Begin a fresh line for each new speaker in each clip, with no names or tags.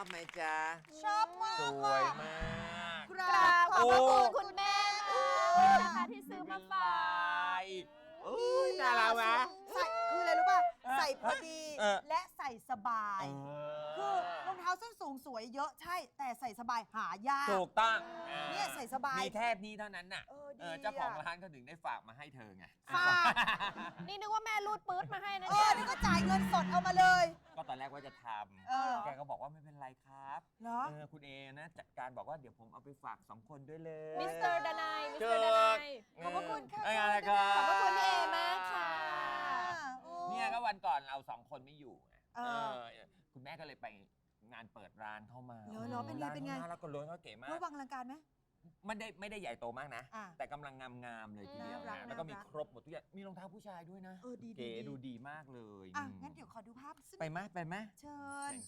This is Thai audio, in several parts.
อบไหมจ๊ะ
ชอบมาก
สวยมาก
กราบขอบพระคุณคุณแม่นะคะที่ซื้อมาฝาก
อุ้ยน่ารักไหม
ใส่คืออะไรรู้ป่ะ ใส่พอดี และใส่สบาย คือรองเท้าส้นสูงสวยเยอะใช่ แต่ใส่สบายหายาก
ถูกต้อง
เนี่ยใส่สบาย
มีแค่นี้เท่านั้นน่ะ
ดี
เจ้าของร้านเขาถึงได้ฝากมาให้เธอไง
ฝาก
นี่นึกว่าแม่รูดปื๊ดมาให้นะ
นี่ก็จ่ายเงินสดเอามาเลย
ก็ตอนแรกว่าจะท
เออ
ำแกก็บอกว่าไม่เป็นไรครับ
เหรอ
คุณเอนะจัดการบอกว่าเดี๋ยวผมเอาไปฝาก2 คนด้วยเลย
มิสเตอร์ดานายมิสเตอร์ดานาย
ขอบพระคุณค่ะ
อะไรครับ
ขอบพระคุณพี่เอมากค่ะ
เนี่ยก็วันก่อนเรา2 คนไม่อยู่ไง
เออ
คุณแม่ก็เลยไปงานเปิดร้านเข้ามา
เหรอเป็นไง
ร้า
เป็นไง
ขาแล้วก็ล้วนเขาเก๋มาก
ระวังลังการไหม
ไม่ได้ใหญ่โตมากนะ
อ่ะ
แต่กำลังงามๆเลยทีเดียว
น่ารัก
นะแล้วก็มี
น่ารัก
ครบหมดทุกอย่างมีรองเท้าผู้ชายด้วยนะ
ดี
เก๋ดูดีมากเลย
งั้นเดี๋ยวขอดูภาพสัก
ไปไหมไปไหม
เชิญ
เชิญ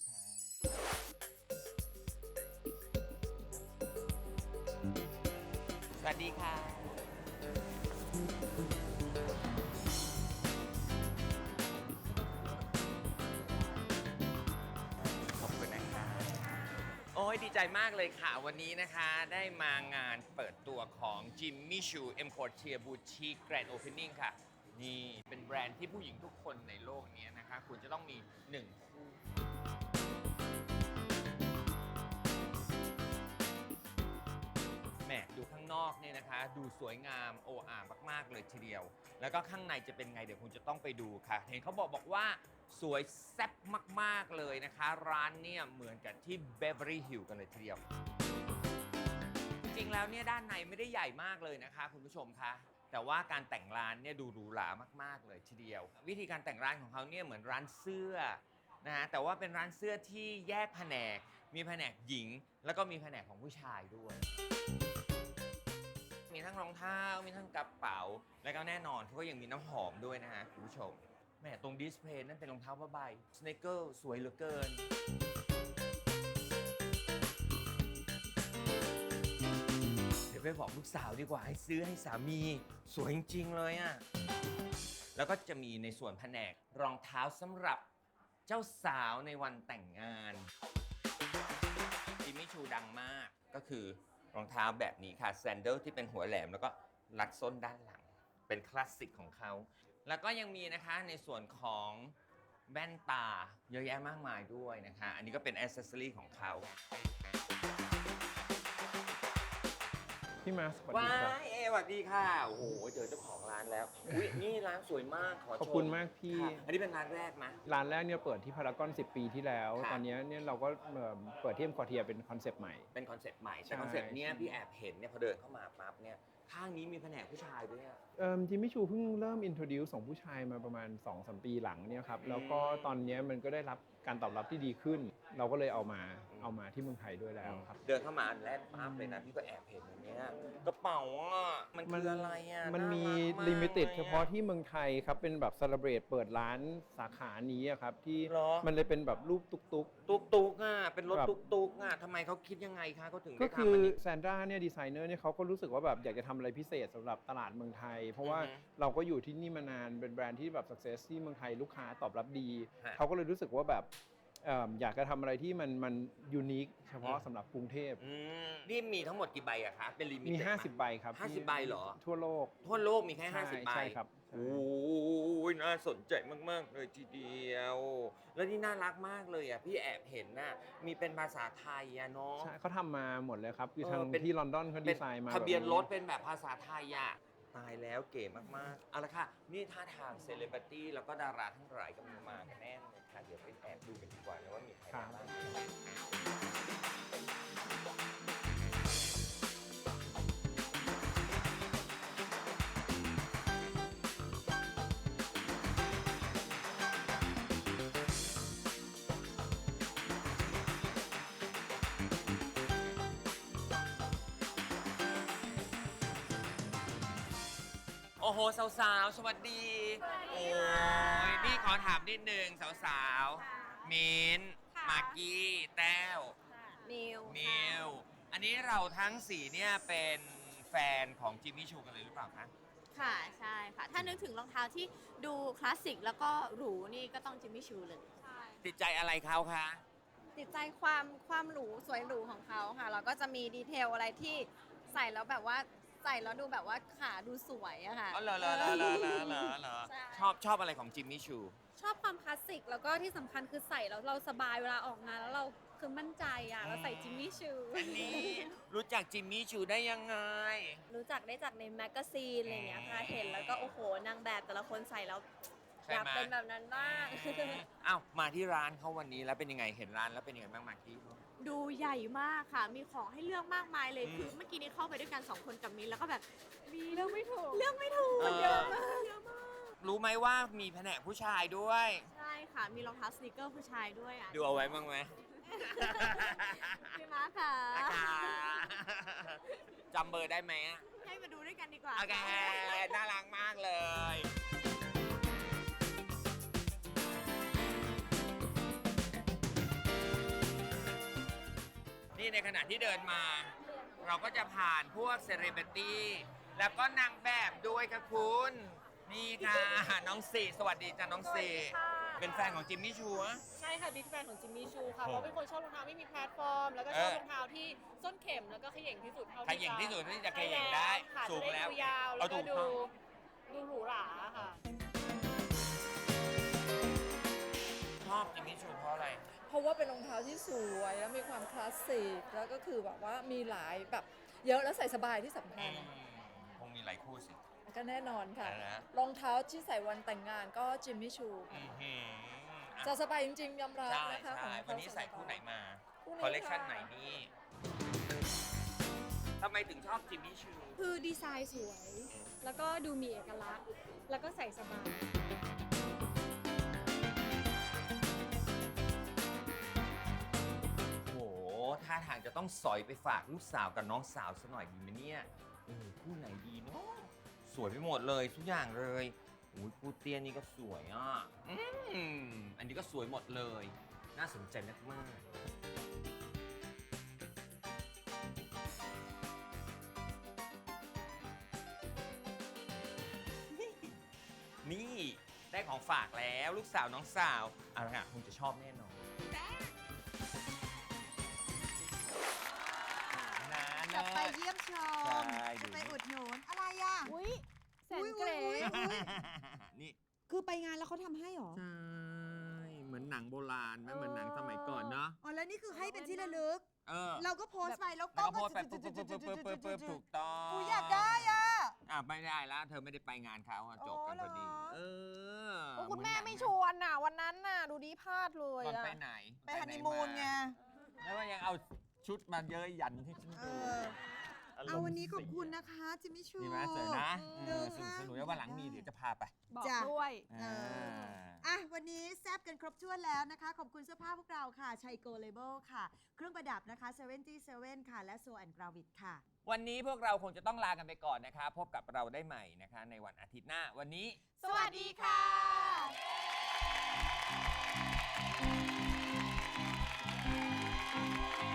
ค่ะสวัสดีค่ะขอบคุณนะคะโอ้ยดีใจมากเลยค่ะ วันนี้นะคะได้มางานเปิดตัวของ Jimmy Choo M Couture Boutique Grand Opening ค่ะ นี่เป็นแบรนด์ที่ผู้หญิงทุกคนในโลกนี้นะคะคุณจะต้องมี1 คู่ แหมดูข้างนอกเนี่ยนะคะ ดูสวยงามโอ้อามากๆเลยทีเดียว แล้วก็ข้างในจะเป็นไงเดี๋ยวคุณจะต้องไปดูค่ะ เห็นเขาบอกว่าสวยแซ่บมากๆเลยนะคะ ร้านเนี่ยเหมือนกับที่ Beverly Hills กันเลยทีเดียว จริงๆแล้วเนี่ยด้านในไม่ได้ใหญ่มากเลยนะคะคุณผู้ชมคะแต่ว่าการแต่งร้านเนี่ยดูหรูหรามากๆเลยทีเดียว วิธีการแต่งร้านของเขาเนี่ยเหมือนร้านเสื้อนะฮะแต่ว่าเป็นร้านเสื้อที่แยกแผนกมีแผนกหญิงแล้วก็มีแผนกของผู้ชายด้วย มีทั้งรองเท้ามีทั้งกระเป๋าแล้วก็แน่นอนเขาก็ยังมีน้ำหอมด้วยนะฮะคุณผู้ชมแหมตรงดิสเพลย์นั่นเป็นรองเท้าผ้าใบสเนคเกิลสวยเหลือเกินเดี๋ยวไปบอกลูกสาวดีกว่าให้ซื้อให้สามีสวยจริงๆเลยอ่ะแล้วก็จะมีในส่วนแผนกรองเท้าสำหรับเจ้าสาวในวันแต่งงานจิมมี่ชูดังมากก็คือรองเท้าแบบนี้ค่ะแซนเดิลที่เป็นหัวแหลมแล้วก็รัดส้นด้านหลังเป็นคลาสสิกของเขาแล้วก็ยังมีนะคะในส่วนของแว่นตาเยอะแยะมากมายด้วยนะคะอันนี้ก็เป็นแอ c เซสซอรี่ของเขา
พี่มาสวัสดี
ว้า
ครับ
ยสวัสดีค่ะโอ้โหเจอเจ้าของร้านแล้วอุ้ยนี่ร้านสวยมากขอชม
ขอบคุณมากพี่
ค่ะอันนี้เป็นร้านแรกไหม
ร้านแรกเนี่ยเปิดที่พารากอน10 ปีที่แล้ว
ค่ะ
ตอนนี้เนี่ยเราก็เปิดที่เอ็มควอเทียเป็นคอนเซปต์ใหม่
เป็นคอนเซ็ปต์ใหม่
ใช่
แต่คอนเซ็ปต์เนี้ยพี่แอบเห็นเนี่ยพอเดินเข้ามาปั๊บเนี่ยข้างนี้มีแผนกผู้ชายด้วยอะ
จิมมี่ชูเพิ่งเริ่มอินโทรดิวส์ของผู้ชายมาประมาณ 2-3 ปีหลังเนี่ยครับแล้วก็ตอนนี้มันก็ได้รับการตอบรับที่ดีขึ้น เราก็เลยเอามาที่เมืองไทยด้วยแล้วครับ
เดินเข้ามาอันแรกปั๊บเลยนะพี่ก็แอบเห็นอย่างเนี้ยกระเป๋าอ่ะมันคืออะไรอ่ะ
มันมี
ารักาก
ลิมิเต็ด
ลยอะ
เฉพาะที่เมืองไทยครับเป็นแบบเซเลบรตเปิดร้านสาขานี้อะครับที่
เหรอ
มันเลยเป็นแบบรูปตุ๊ก
ตุกอ่ะเป็นรถ
ครับ
ตุกอ่ะทำไมเขาคิดยังไงคะเขาถึง
ก็
ได้
คื
ทำ
อ
อันนี้
แซนดราเนี่ยดีไซเนอร์เนี่ยเขาก็รู้สึกว่าแบบอยากจะทำอะไรพิเศษสำหรับตลาดเมืองไทย เพราะว่า
อือฮึ
เราก็อยู่ที่นี่มานานเป็นแบรนด์ที่แบบสักเซสที่เมืองไทยลูกค้าตอบรับดี
ฮะ
เขาก็เลยรู้สึกว่าแบบอยากจะทำอะไรที่มันยูนิคเฉพาะสำหรับกรุงเทพ
นี่มีทั้งหมดกี่ใบอะคะเป็นลิมิเต็ด
มี
ไห
50 ใบครับ
50 ใบเหรอ
ทั่วโลก
ทั่วโลกมีแค่
ใช่
50 ใบ
ใช่ครับใช่
โอ้ยน่าสนใจมาก ๆ เลยทีเดียว แล้วนี่น่ารักมากเลยอ่ะ พี่แอบเห็นน่ะ มีเป็นภาษาไทยอ่ะเนาะ
ใช่เขาทำมาหมดเลยครับคือทาง
เป็น
ที่ลอนดอนเขาดีไซน์มา
ทะเบียน
แบบ
รถเป็นแบบภาษาไทยอ่ะ ตายแล้วเก๋มาก ๆ เอาละค่ะ นี่ท่าทางเซเลบริตี้แล้วก็ดาราทั้งหลายก็มีมากันแน่เลยค่ะ เดี๋ยวไปแอบดูกันดีกว่านะว่ามีใครมาบ้าง โอ้โห สาว ๆ สวัสดี โอ้ยนี่ขอถามนิดนึง สาว ๆ มิ้นท์มากกี้ แต้ว
นิว
นิว อันนี้เราทั้งสี่เนี่ยเป็นแฟนของจิมมี่ชูกันเลยหรือเปล่าคะ
ค่ะ ใช่ค่ะ ถ้านึกถึงรองเท้าที่ดูคลาสสิกแล้วก็หรูนี่ก็ต้องจิมมี่ชูเลย
ติดใจอะไรเขาคะ
ติดใจความหรูสวยหรูของเขาค่ะแล้วก็จะมีดีเทลอะไรที่ใส่แล้วแบบว่าใส่แล้วดูแบบว่าขาดูสวยอะค่ะ
อ๋อเหรอ
ใช่
ชอบอะไรของจิมมี่ชู
ชอบความคลาสสิกแล้วก็ที่สำคัญคือใส่แล้วเราสบายเวลาออกงานแล้วเราคือมั่นใจอ่ะเราใส่จิมมี่ชู
อันนี้รู้จักจิมมี่ชูได้ยังไง
รู้จักได้จากในแมกกาซีนอะไรอย่างเงี้ยค่ะเห็นแล้วก็โอ้โหนางแบบแต่ละคนใส่แล้ว
ใช่
อยาก
ไหม
เป็นแบบนั้นบ้าง
อ้าวมาที่ร้านเขาวันนี้แล้วเป็นยังไงเห็นร้านแล้วเป็นยังไงบ้างมากกี้
ดูใหญ่มากค่ะ มีของให้เลือกมากมายเลย
อืม
คือเมื่อกี้นี้เข้าไปด้วยกัน2 คนกับมิ้นแล้วก็แบบมีเลือกไม่ถูก
เยอะมากรู้ไหมว่ามีแผนกผู้ชายด้วย
ใช่ค่ะ มีรองเท้าสนิเกอร์ผู้ชายด้วยอ่ะ
ดูเอาไว้บ้างไหม
พี่มาค่ะ
นะคะจำเบอร์ได้ไหมอะ
ให้มาดูด้วยกันดีกว่า
โอเค น่ารักมากเลย นี่ในขณะที่เดินมา เราก็จะผ่านพวกเซเลบริตี้แล้วก็นางแบบด้วยค่ะคุณ นี่ค่ะ น้องสี่สวัสดีจ้ะน้องสี่เป็นแฟนของจิมมี่ชูอะ
ใช่ค่ะบิ๊กแฟนของจิมมี่ชูค่ะ
โอ้
เพราะเป็นคนชอบรองเท้าไม่มีแพลตฟอร์ม แล้วก็ชอบรองเท้าที่ส้นเข็มแล้วก็เขย่งที่สุดเท่า
ใครเก่งที่สุดที่จะเขย่งได้
ค่ะ
สูงแล้ว
จะได้ดูยาว
เอา
แล้ว
ถู
ก็
กต้อง
ดูหรูหราค่ะ
ชอบจิมมี่ชูเพราะอะไร
เพราะว่าเป็นรองเท้าที่สวยแล้วมีความคลาสสิกแล้วก็คือแบบว่ามีหลายแบบเยอะแล้วใส่สบายที่สำคัญ
คงมีหลายคู่สิ
ก็แน่นอนค่ะ
อะไรนะ
รองเท้าที่ใส่วันแต่งงานก็จิมมี่ชู
อื้อหือ
ใส่สบายจริงๆยอมรับ
ใช่
นะคะ
ใช่
ของเขา
วันนี้ใส่คู่ไหนมา
คู่นี้
คอลเลกชัน
ค่ะ
ไหนนี่ทำไมถึงชอบจิมมี่ชู
คือดีไซน์สวย แล้วก็ดูมีเอกลักษณ์ แล้วก็ใส่สบาย
โอ้โหท่าทางจะต้องสอยไปฝากลูกสาวกับน้องสาวซะหน่อยดีไหมเนี่ยคู่ไหนดีเนาะสวยไปหมดเลยทุกอย่างเลยอุ้ยคู่เตี้ยนี่ก็สวยอ่ะอันนี้ก็สวยหมดเลย น่าสนใจมากๆนี่ได้ของฝากแล้วลูกสาวน้องสาวอะไรอ่ะคงจะชอบแน่นอนนะ
จะไปเยี่ยมชม
ใช่
จะไปอุดหนุนอะไรอ่ะ
อุ้ยแสน
อุ๊ย
เกร
นี่
คือไปงานแล้วเขาทำให้เหรอ
ใช่ เหมือนหนังโบราณไหมเหมือนหนังสมัยก่อนเนาะ
อ๋อแล้วนี่คือให้เป็นที่ระลึก
เออ
เราก็โพสต์ไปแล้ว
แล้ว
ก็
ก็โพสต์ไปปุ๊บถูกต้อง
กูอยากได้อ่ะ
ไม่ได้แล้ว เธอไม่ได้ไปงานเขาอะจบกันพอดี
อ๋อเหรอ
เออ
โอ้คุณแม่ไม่ชวนน่ะ วันนั้นน่ะ ดูดีพลาดเลย
ตอน
อ่ะ
ไปไหน
ไปฮันนีมูนไง
แล้วก็ยังเอาชุดมาเยอะยันที่ฉัน
เอ
ดู
อ เอาวันนี้ขอบคุณนะคะจิมมี่ชู
ดีไหมสวยนะ
เออ
สนุกแล้ววันหลังมีเดี๋ยวจะพาไป
บอก
จ้ะ
ด้วย
เออ อ่ะ วันนี้แซบกันครบถ้วนแล้วนะคะ ขอบคุณเสื้อผ้าพวกเราค่ะชัยโกเลเบลค่ะ เครื่องประดับนะคะ77ค่ะ และโซแอนกราวิดค่ะ
วันนี้พวกเราคงจะต้องลากันไปก่อนนะคะ พบกับเราได้ใหม่นะคะ ในวันอาทิตย์หน้า วันนี้
สวัสดีค่ะ
เ